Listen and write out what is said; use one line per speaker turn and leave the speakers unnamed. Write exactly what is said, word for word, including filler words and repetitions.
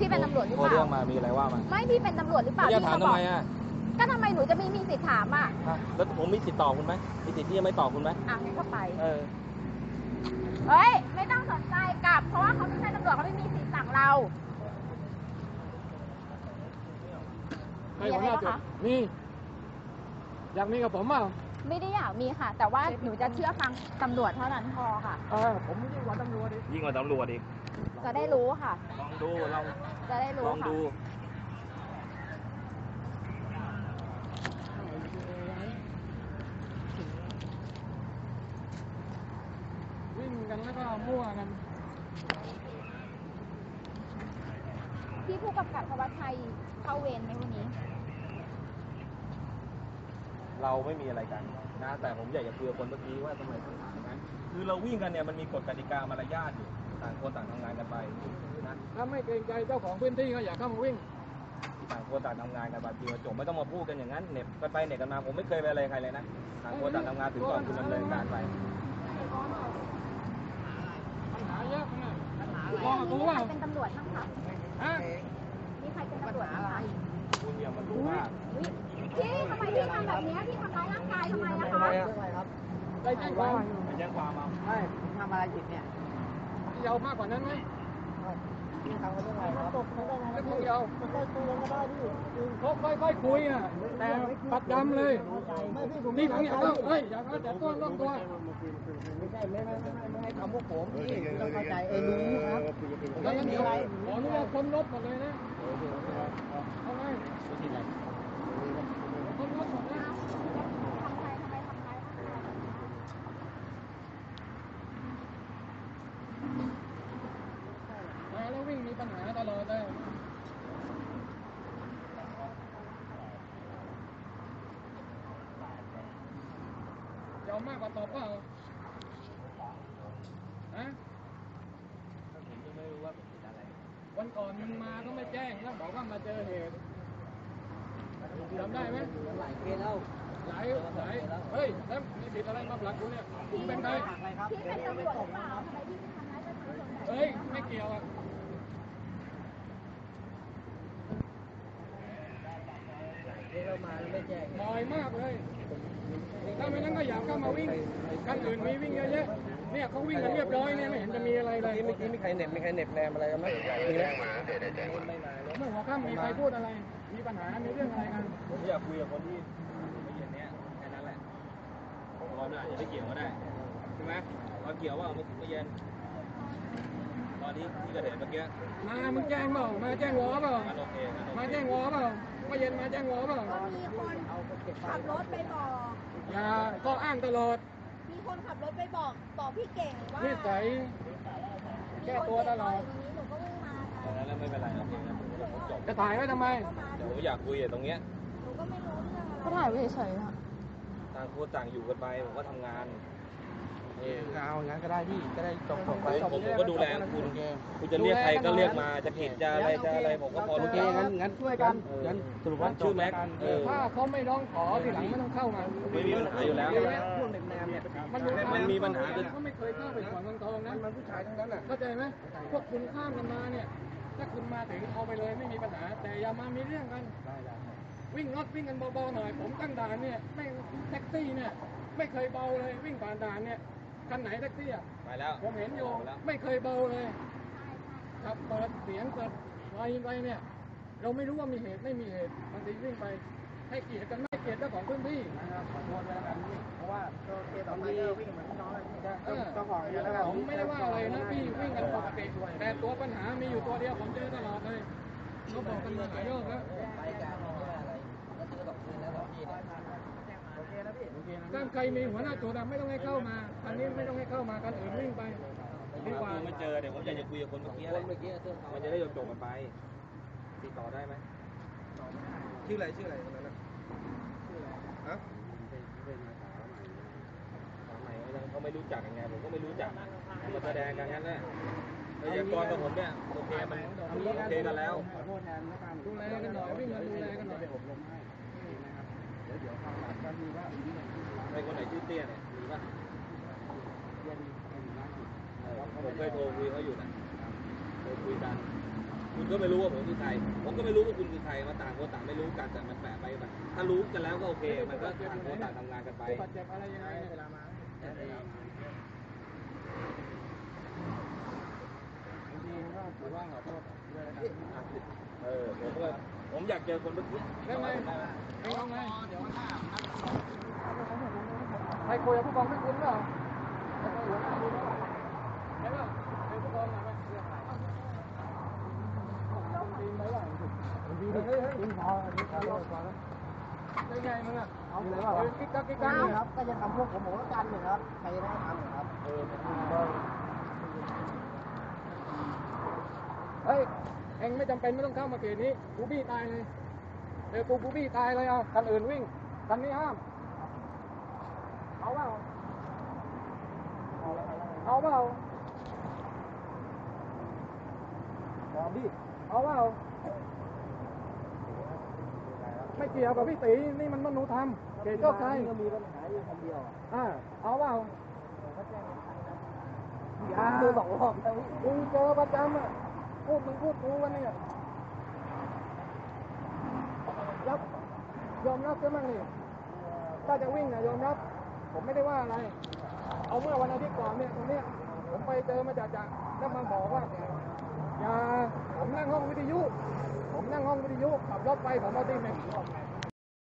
พี่เป็นตำรวจหรือเปล่า
เรื่องมามีอะไรว่ามา
ไม่พี่เป็นตำรวจหรือเปล่า
จะถามทำไมอ่ะ
ก็ทำไมหนูจะไม่มีสิทธิ์ถามอ่ะ
แล้วผมมีสิทธิ์ตอบคุณไหมมีสิทธิ์ที่จะไม่ตอบคุณไหม
อ่ะงั้นก็ไป
เออ
เฮ้ยไม่ต้องสนใจกลับเพราะว่าเขาไม่ใช่ตำรวจเขาไม่มีสิทธิ์สั่งเรา
มีอะไรคะมีอยากมีกับผมเปล่า
ไม่ได้อยากมีค่ะแต่ว่าหนูจะเชื่อฟังตำรวจเท่านั้นพอค่ะ
เออผมยิ่งกว่าตำรวจดิ
ยิ่งกว่าตำรวจดิ
จะได้รู้ค่ะ
ลองดูลอง
จะได้รู้
ลองดู
วิ่งกันแล้วก็มั่วกัน
พี่ผู้กำกับธวัชชัยเข้าเวรไหมวันนี้
เราไม่มีอะไรกันนะแต่ผมอยากจะคุยกับคนเมื่อกี้ว่าทำไมต้องถามอย่างนั้นคือเราวิ่งกันเนี่ยมันมีกฎกติกามารยาทอยู่ต่างคนต่างทำงานกันไปนะ
ถ้าไม่เกรงใจเจ้าของพื้นที่ก็อย่าเข้ามาวิ่ง
ต่างคนต่างทำงานกันไปปีมาจบไม่ต้องมาพูดกันอย่างนั้นเน็บกันไปเน็บกันมาผมไม่เคยไปอะไรใครเลยนะต่างคนต่างทำงานถึงก่อนคุณดำเนินการไป
ปัญหาเยอะนะ
มองดูว่าเป็นตำรวจบ้างคะมีใครเป็นตำรวจบ้างคะ
คุณอย่ามารู้ว่า
พี่ทำไมพี่ทำแบบนี้พี่ทำร้ายร่างกายทำไมอะคะ
ได้แจ้งความ
ไปแจ้งความมา
ไม่ทำอะไรผิดเนี่ย
ยาวมากกว่านั้นไหม
พี่ทำกันเรื่องอะไรครับ
ไม่คุยยาว
มันได้คุยกันก็ได้พี่
เขาค่อยๆคุยอ่ะแต่ปัดดำเลยนี่ผมอยากเฮ้ยอยากแต่ต้นต้องตัว
ไม่ใช่ไม่ไม่ไม่ไม่ให้ทำพวกผมพี่ต้องเข้าใจเออรู้ครับ
แล้วงั้นเดี๋ยวขออนุญาตคนรถหมดเลยนะเอาไงคนรถหมดนะมาแล้ววิ่งมีปัญหาตลอดเลยยอมมากกว่าตอบเปล่าฮะวันก่อนมึงมาก็ไม่แจ้งแล้วบอกว่ามาเจอเหตุจำได้ไหม
หลายเคสแล้ว
หลายหลายเฮ้ยแล้วมีผิดอะไรมาผลักกูเนี่ยมึงเป็นใคร
พี่เป็นตำรวจหรือเปล่าทำไมพี่ทำร้ายประชาชนแบบนี้
เฮ้ยไม่เกี่ยวอ่ะ
เรามาไม่แจ้ง
บ่อยมากเลยถ้าไม่นั้นก็อยากเข้ามาวิ่งคันอื่นมีวิ่งเยอะแยะเนี่ยเขาวิ่งกันเรียบร้อยเนี่ยไม่เห็นจะมีอะไรเลย
เมื่อกี้มีใครเน็ตมีใครเน็ตแนมอะไรกันไหมมีไหม
เมื่อหัวค่ำมีใครพูดอะไรมีปัญหามีเรื่องอะไรกัน
ผมอยากคุยกับคนที่ไม่เย็นเนี้ยแค่นั้นแหละตอนนี้อาจจะไม่เกี่ยวก็ได้ใช่ไหมตอนเกี่ยวว่าไม่ไม่เย็นตอนที่ที่เกิดเหตุเมื่อกี้
มามึงแจ้งเปล่ามาแจ้งวอเปล่ามาแจ้งวอเปล่าไม่เย็นมาแจ้งวอเปล่า
ก็มีคนขับรถไปบอก
อย่าก็อ้างตลอด
มีคนขับรถไปบอกบอกพี่เก่งว่า
นิสัยแก้ตัวตลอด
หนูก็วิ่งมา
แล้วไม่เป็นไรครับจบ
จะถ่ายไว้ทำไม
เดี๋ยวผมอยากคุยตรงเนี้ย
หนูก็ไม่รู้เรื่องอะไร
ก็ถ่ายไว้เฉยๆค่ะ
ต่างคนต่างอยู่กันไปผมก็ทำงาน
เออเอางั้นก็ได้พี่ก็ได้จบจบไป
ผมก็ดูแลคุณคุณจะเรียกใครก็เรียกมาจะผิดจะอะไรจะอะไรผมก็พอรู้
จักงั้นงั้นช่วยกันงั้นสรุปว่า
ชื่อแม็ก
ถ้าเขาไม่ร้องขอทีหลังไม่ต้องเข้ามา
ไม่มีปัญหาอยู่แล้ว
มัน
มันมีปัญหา
เขาไม่เคยเข้าไปขวางเมืองทองนะ
มันผู้ชายทั้งนั้นอ่ะ
เข้าใจไหมพวกคุณข้ามกันมาเนี่ยถ้าคุณมาถึงเอาไปเลยไม่มีปัญหาแต่อย่ามามีเรื่องกันวิ่งรถวิ่งกันเบาๆหน่อยผมตั้งด่านเนี่ยไม่แท็กซี่เนี่ยไม่เคยเบาเลยวิ่งผ่านด่านเนี่ยคันไหนแท็กซี่อ่ะ
ไปแล้ว
ผมเห็นอยู่ไม่เคยเบาเลยครับเปิดเสียงเปิดไฟไปเนี่ยเราไม่รู้ว่ามีเหตุไม่มีเหตุบางทีวิ่งไปให้เกียรติกันไม่เกียรติเจ้าของพื้นที่
นะครับขอโทษแล้วกันเพราะว่าเคสต่อไปก็วิ่งเหมือนน้องเจ้าของแล้ว
ผมไม่ได้ว่าอะไรนะพี่วิ่งกันปกติแต่ตัวปัญหามีอยู่ตัวเดียวผมเจอตลอดเลยเขาบอกกันมาหลายรอบแล้ว
ไปกันอะไรก็ซื้อดอกคืนแล้วดอกพี่โอเคนะพี่
ถ้าใครมีหัวหน้าตัวดำไม่ต้องให้เข้ามาอันนี้ไม่ต้องให้เข้ามากันอื่นวิ่งไป
ดีกว่าไม่เจอเดี๋ยวผมอยากจะคุยกับคนเมื่อกี้
เมื่อกี้
มันจะได้จบกันไปติดต่อได้ไหม
ชื่ออะไรชื่ออะไรตรงนั้นนะฮะ
เขาไม่รู้จักยังไงผมก็ไม่รู้จักมาแสดงกันงั้นแหละพยากรณ์กับผมเนี่ยโอเคมันโอเคกันแล้ว
ดูแลกันหน่อยวิ่งมาดูแลกันหน่อย
อบรมให้นะครับเดี๋ยวเดี๋ยวความหลังก็มีว่า
ไอ้คนไหนชื่อเตี้ยเนี่ยมีป่ะผมเคยโทรคุยเขาอยู่นะเคยคุยกันมีคุณก็ไม่รู้ว่าผมคือใครผมก็ไม่รู้ว่าคุณคือใครมาต่างคนต่างไม่รู้กันแต่มันแปะไปแบบถ้ารู้กันแล้วก็โอเคมันก็ต่างคนต่างทำงานกันไป
บาดเจ็บอะไรยังไงเวลามา
เออผมก็ผมอยากเจอคนเมื่อกี้
แล้วไงเองเอาไงใครคุยกับผู้กองไม่คุ้นเปล่าใช่ป่ะเป็นผู้กองไหมเฮ้ยเฮ้ยเฮ้ยพอนี่พอแล้วพอแล้วเป็นไงมึงอ่ะเอาเลยว่ากิ๊กกักกิ๊กกักครับก็จะทำพวกผมผมก็กันหนึ่งครับใครจะได้ทำหนึ่งครับเออเฮ้ยเองไม่จำเป็นไม่ต้องเข้ามาเขตนี้กูบี้ตายเลยเดี๋ยวกูกูบี้ตายเลยเอาคันอื่นวิ่งคันนี้ห้ามเอาเปล่าเอาเปล่าเอาบี้เอาเปล่าไม่เกี่ยวกับพี่ตีนี่มันมนุษยธรรมเขตโชคชัยก็มีปัญหาอยู่คนเดียวอ่าเอาเปล่าอย่าดูสองรอบกูเจอประจำอ่ะพูดมึงพูดกูวันนี้รับยอมรับใช่ไหมนี่ถ้าจะวิ่งนะยอมรับผมไม่ได้ว่าอะไรเอาเมื่อวันอาทิตย์ก่อนเนี่ยตรงเนี้ยผมไปเจอมาจากจากแล้วมาบอกว่าอย่าผมนั่งห้องวิทยุผมนั่งห้องวิทยุขับรถไปผมเอาตีแม็ก